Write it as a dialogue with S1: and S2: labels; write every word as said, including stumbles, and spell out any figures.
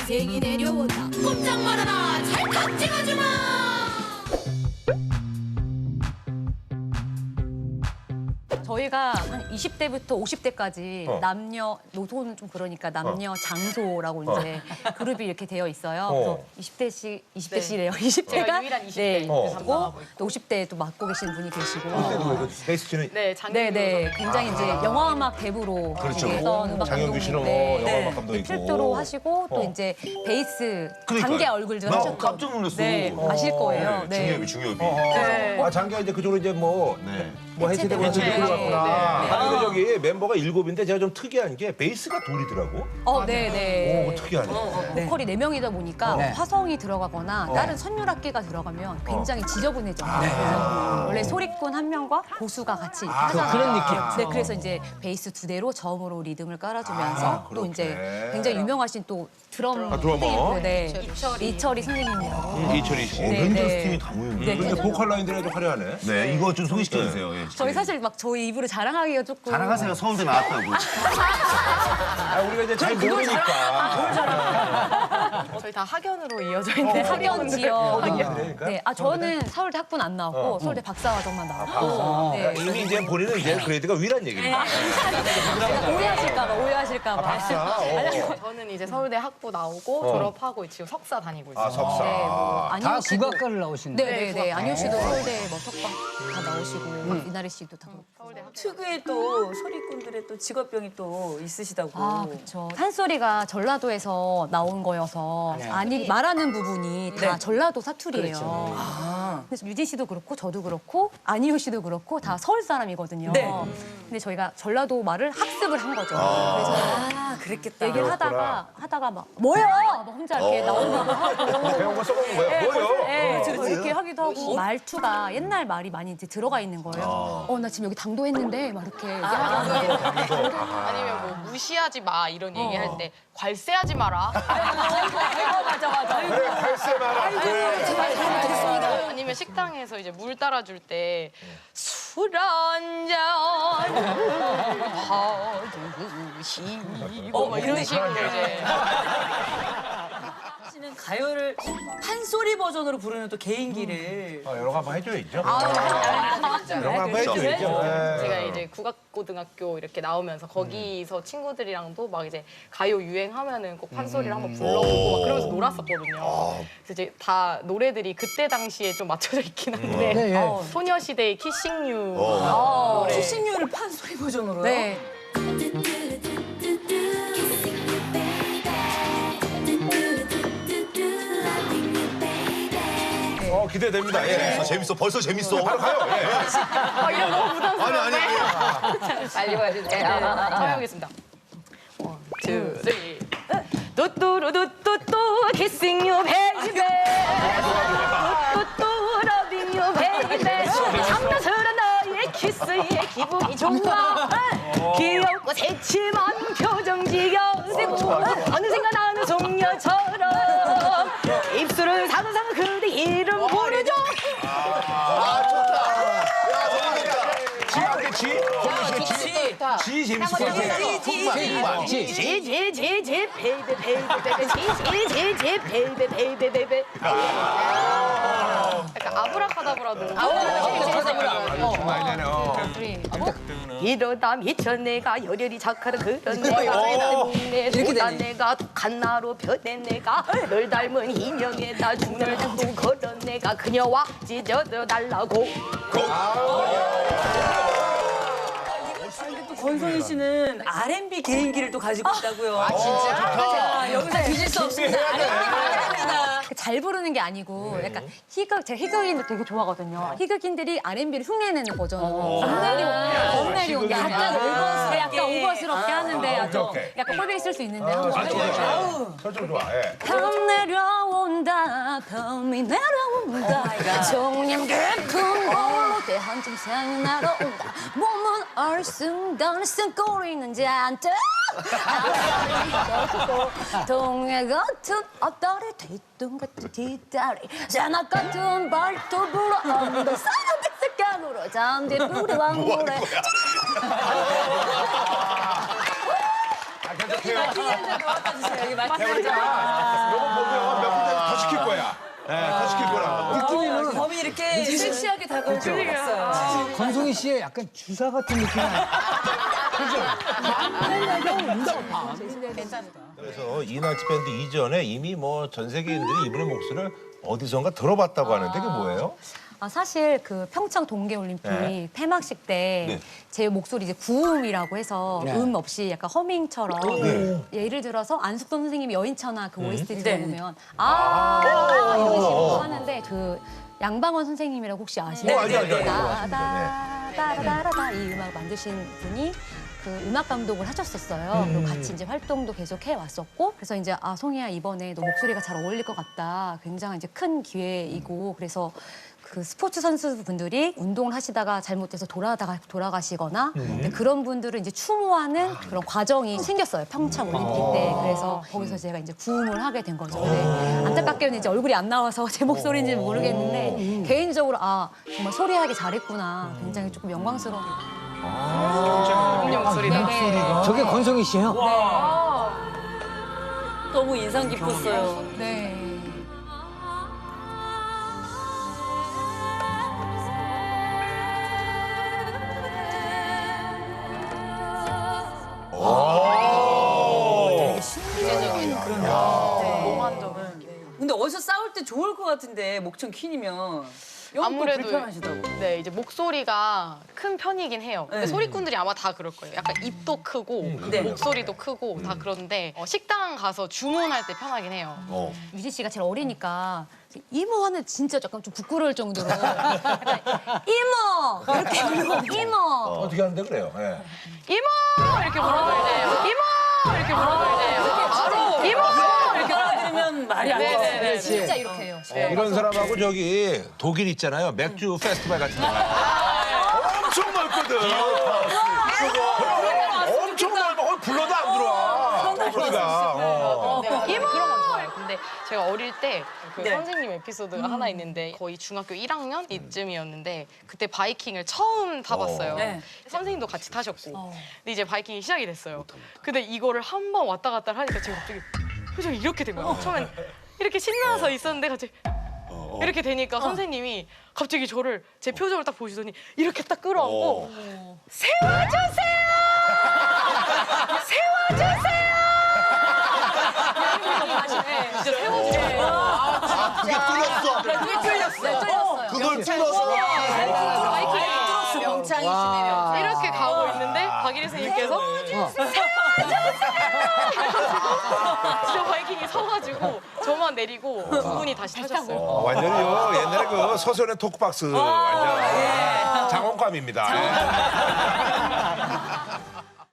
S1: 기생이 내려온다. 꼼짝 말아라. 찰칵 찍어주마.
S2: 저희가 한 이십 대부터 오십 대까지
S3: 어.
S2: 남녀, 노소는 좀 그러니까 남녀 장소라고 이제 그룹이 이렇게 되어 있어요.
S3: 어.
S2: 그래서 이십 대씩, 이십
S4: 네.
S2: 대씩이래요. 이십
S4: 제가
S2: 대가
S4: 유일한 이십
S2: 네,
S4: 대
S3: 어.
S4: 그래서 담당하고 있고.
S2: 또 오십 대에 또 맡고 계시는 분이 계시고.
S3: 그때도 베이스 치는
S4: 네, 장윤규
S2: 네네,
S4: 선생님.
S2: 굉장히 이제 영화 음악 대부로
S3: 그렇죠.
S2: 했던 음악
S3: 장영규 씨는
S2: 감독님인데
S3: 뭐 영화 음악 감독이고.
S2: 필두로 하시고 또
S3: 어.
S2: 이제 베이스
S3: 그러니까요.
S2: 단계 얼굴들
S3: 나
S2: 하셨던.
S3: 깜짝 놀랐어.
S2: 네,
S3: 어.
S2: 아실 거예요. 네.
S3: 중요비 중요비.
S4: 네.
S5: 아 장기가 이제 그쪽으로 이제 뭐
S3: 네.
S5: 뭐 해체되고 해서
S4: 해체.
S5: 이쪽으로 갔구나.
S4: 네.
S5: 아 근데 저기 멤버가 일곱인데 제가 좀 특이한 게 베이스가 둘이더라고.
S2: 어, 네네.
S5: 오 특이하네.
S2: 보컬이 네 명이다 보니까
S5: 네.
S2: 화성이 들어가거나 다른 선율악기가 들어가면 굉장히 지저분해져요. 그래서 원래 소리꾼 한 명과 고수가 같이 하잖아요.
S6: 그런 느낌.
S2: 네, 그래서 이제 베이스 두 대로 저음으로 리듬을 깔아주면서
S5: 아,
S2: 또 이제
S5: 그렇게.
S2: 굉장히 유명하신 또 드럼
S3: 아, 드러머.
S2: 선생님도, 네,
S4: 이철이.
S2: 이철이 선생님이라고.
S3: 이철이 씨.
S2: 네,
S3: 렌저스
S2: 네.
S3: 팀이 다 모였네.
S2: 네,
S5: 근데 보컬 라인들이 아주 화려하네.
S3: 네, 이거 좀 소개시켜 주세요. 예.
S2: 저희 사실 막 저희 입으로 자랑하기가 조금
S3: 자랑하세요. 서울대 나왔다고.
S5: 아 우리가 이제 잘 모르니까.
S4: 저희 다 학연으로 이어져
S2: 네,
S4: 있는
S2: 학연 지역.
S5: 그러니까?
S2: 네, 아 저는 서울대 학부는 안 나왔고 서울대 박사과정만 나왔고. 네.
S5: 이미 이제 본인은 이제 그레이드가 위란 얘기입니다.
S2: 오해하실까봐 오해하실까봐.
S5: 박사. 어.
S4: 저는 이제 서울대 학부 나오고 졸업하고 지금 석사 다니고 있어요.
S5: 아 석사.
S2: 네, 뭐
S6: 다
S2: 안효 씨도.
S6: 국악과를 나오신
S2: 네,
S6: 거예요?
S2: 네, 네. 안효 씨도 서울대 뭐 석방 다 나오시고 이나래 씨도 다. 그렇고.
S4: 서울대 학부.
S7: 특유의 또 소리꾼들의 또 직업병이 또 있으시다고.
S2: 아, 그렇죠. 산소리가 전라도에서 나온 거여서 아니 말하는 부분이 다 전라도 사투리예요. 그래서 유진 씨도 그렇고 저도 그렇고 안희호 씨도 그렇고 다 서울 사람이거든요.
S7: 네.
S2: 근데 저희가 전라도 말을 학습을 한 거죠. 그래서
S7: 아, 그랬겠다.
S2: 얘기를 하다가 하다가 막 뭐야? 막 혼자 이렇게 나오기도 하고.
S5: 배운 거 써먹는 거야. 뭐요?
S2: 네, 뭐 이렇게 하기도 하고 말투가 옛날 말이 많이 이제 들어가 있는 거예요. 어, 나 지금 여기 당도했는데 막 이렇게 얘기하는
S4: 아니면 뭐 무시하지 마 이런 얘기할 때 괄세하지 마라.
S2: 맞아 맞아.
S5: 그래 갈세 마라. 그래.
S4: 아니면 식당에서 이제 물 따라줄 때 술 한잔 하시고 막 이런 식으로 이제
S7: 씨는 가요를 판소리 버전으로 부르는 또 개인기를.
S5: 아, 여러 거 한번 해줘야죠.
S4: 아,
S5: 여러 거 한번 해줘야죠. 네.
S4: 제가 이제 국악고등학교 이렇게 나오면서 거기서 친구들이랑도 막 이제 가요 유행하면은 꼭 판소리를 한번 불러보고 막 그러면서 놀았었거든요. 그래서 이제 다 노래들이 그때 당시에 좀 맞춰져 있긴 한데
S6: 네, 예.
S4: 어, 소녀시대의 키싱유
S2: 어.
S4: 노래.
S7: 키싱유를 판소리 버전으로요?
S2: 네.
S5: 어 기대됩니다. 예.
S3: 아, 재밌어. 벌써 재밌어.
S5: 바로 가요. 예.
S4: 어, 이런 거 부담스러워.
S3: 아니 아니 아니.
S4: 빨리 보여주세요. 처음 해보겠습니다. 원, 투, 쓰리. 뚜뚜루뚜뚜뚜 kissing you baby. 뚜뚜뚜 loving you baby. 장난스러운 너의 키스에 기분이 좋아. 귀엽고 새침한 표정 지겨지고 어느샌가 나는 송녀처럼 입술을 사근사근 그대 이름 부르죠.
S3: 아, 좋다. 야, 재밌겠다.
S5: 지한테 지?
S7: 그치.
S5: 지 재밌을 것 같아.
S6: 지.
S4: 지지지지 베이베 베이베 베이베 지지지지 베이베 베이베 베이베 약간 아브라카다브라도
S5: 많이 어.
S4: 이러다 미쳐 내가 열혈이 착하는 그런 내가 내보다 내가 독한 나로 변해 내가 널 닮은 인형에다 죽을 닮고 그런 내가 그녀와 찢어져 달라고
S7: 또 권성희 씨는 알앤비 개인기를 또 가지고 있다고요. 아
S4: 진짜?
S7: 여기서 뒤질 수 없습니다. 알앤비입니다.
S2: 잘 부르는 게 아니고 약간 희극 제가 희극인들 되게 좋아하거든요. 희극인들이 알앤비를 흉내내는 버전으로 겁내리 겁내리 온게 아니라 약간 약간 오버스럽게 하는데 아주
S5: 오케이, 오케이.
S2: 약간 꼴뱅이 쓸 수 있는데 한번
S5: 설정 좋아. 예.
S2: 밤 내려온다 밤이 내려온다 정념 깊은 걸로 대한좀 생이 날아온다 몸은 얼숭덜숭 꼬리는 잔뜩 동해 같은 앞다리 뒤뚱 같은 뒷다리 자낙 같은 발톱으로 언더 사이드 색감으로 잠디 뿌리왕 노래
S5: 아, 계속해요.
S7: 여기 맛있게
S5: 요거 보면 몇 군데 더 시킬 거야. 네, 더 시킬 거라고.
S7: 느낌이 범이 이렇게 섹시하게 다가올 줄 몰랐어요.
S6: 권송희 씨의 약간 주사 같은 느낌이 나요.
S5: 그래서 이나치 밴드 이전에 이미 뭐 전 세계인들이 이분의 목소리를 어디선가 들어봤다고 하는데 그게 뭐예요?
S2: 아, 사실 그 평창 동계올림픽
S5: 네.
S2: 폐막식 때 제 목소리 이제 구음이라고 해서 음 없이 약간 허밍처럼 예를 들어서 안숙돈 선생님이 여인천하 그 오에스티 들어보면 아, 아 이런 식으로 하는데 그 양방원 선생님이라고 혹시 아시나요?
S5: 어, 알죠, 알죠, 알죠.
S2: 따다다다다다다 이 음악 만드신 분이 그 음악 감독을 하셨었어요. 그리고 같이 이제 활동도 계속 해 왔었고, 그래서 이제 아 송이야 이번에 너 목소리가 잘 어울릴 것 같다. 굉장히 이제 큰 기회이고, 그래서 그 스포츠 선수분들이 운동을 하시다가 잘못돼서 돌아다가 돌아가시거나 근데 그런 분들을 이제 추모하는 그런 과정이 생겼어요. 평창 올림픽 때. 그래서 거기서 제가 이제 구음을 하게 된 거죠. 근데 안타깝게는 이제 얼굴이 안 나와서 제 목소리인지는 모르겠는데 개인적으로 아 정말 소리하기 잘했구나. 굉장히 조금 영광스러운.
S4: 음료 목소리다.
S6: 저게 권송희 씨예요?
S7: 너무 인상 깊었어요.
S2: 네.
S7: 되게 신비적인 그런 몽환적인. 근데 어디서 싸울 때 좋을 것 같은데 목청 킨이면
S4: 아무래도
S7: 불편하시다고.
S4: 네, 이제 목소리가 큰 편이긴 해요. 근데
S7: 네.
S4: 소리꾼들이 아마 다 그럴 거예요. 약간 입도 크고
S7: 네.
S4: 목소리도 크고 다 그런데 어, 식당 가서 주문할 때 편하긴 해요.
S5: 어.
S2: 유진 씨가 제일 어리니까 이모 하면 진짜 약간 좀 부끄러울 정도로 약간 이모 이렇게 부르고 이모
S5: 어떻게 하는데 그래요? 예.
S4: 이모! 이렇게 물어봐야 돼요. 이모! 이렇게 물어봐야 돼요. 바로 이모! 이렇게
S7: 알아들으면 말이 안
S4: 네네네.
S7: 되네.
S2: 네, 진짜 이렇게 해요.
S5: 이런 사람하고 저기 독일 있잖아요. 맥주 페스티벌 같은 거. 엄청 넓거든. 엄청 넓어. 거기 불러도 안 들어와. 소리가. 어.
S4: 네, 이모! 그런 건 좋아요. 근데 제가 어릴 때 그
S7: 네.
S4: 선생님 에피소드가 하나 있는데 거의 중학교 일 학년 이쯤이었는데 그때 바이킹을 처음 타봤어요.
S7: 네.
S4: 선생님도 같이 타셨고. 근데 이제 바이킹이 시작이 됐어요. 근데 이거를 한 번 왔다 갔다 하니까 제가 갑자기 표정이 이렇게 된 거예요. 처음엔 이렇게 신나서 있었는데 갑자기 이렇게 되니까 선생님이 갑자기 저를 제 표정을 딱 보시더니 이렇게 딱 끌어안고 세워주세요! 세워주세요! 진짜 세워주세요.
S3: 아, 그게 뚫렸어.
S2: 그게 뚫렸어. 네, 뚫렸어요.
S3: 그걸 뚫었어.
S7: 명창이시네요.
S4: 이렇게 가고 있는데 박일희 선생님께서 진짜 바이킹이 서가지고 저만 내리고 두 분이 다시 타셨어요.
S5: 어, 완전히 요 옛날에 그 서선의 토크박스 완전 장원감입니다. 예.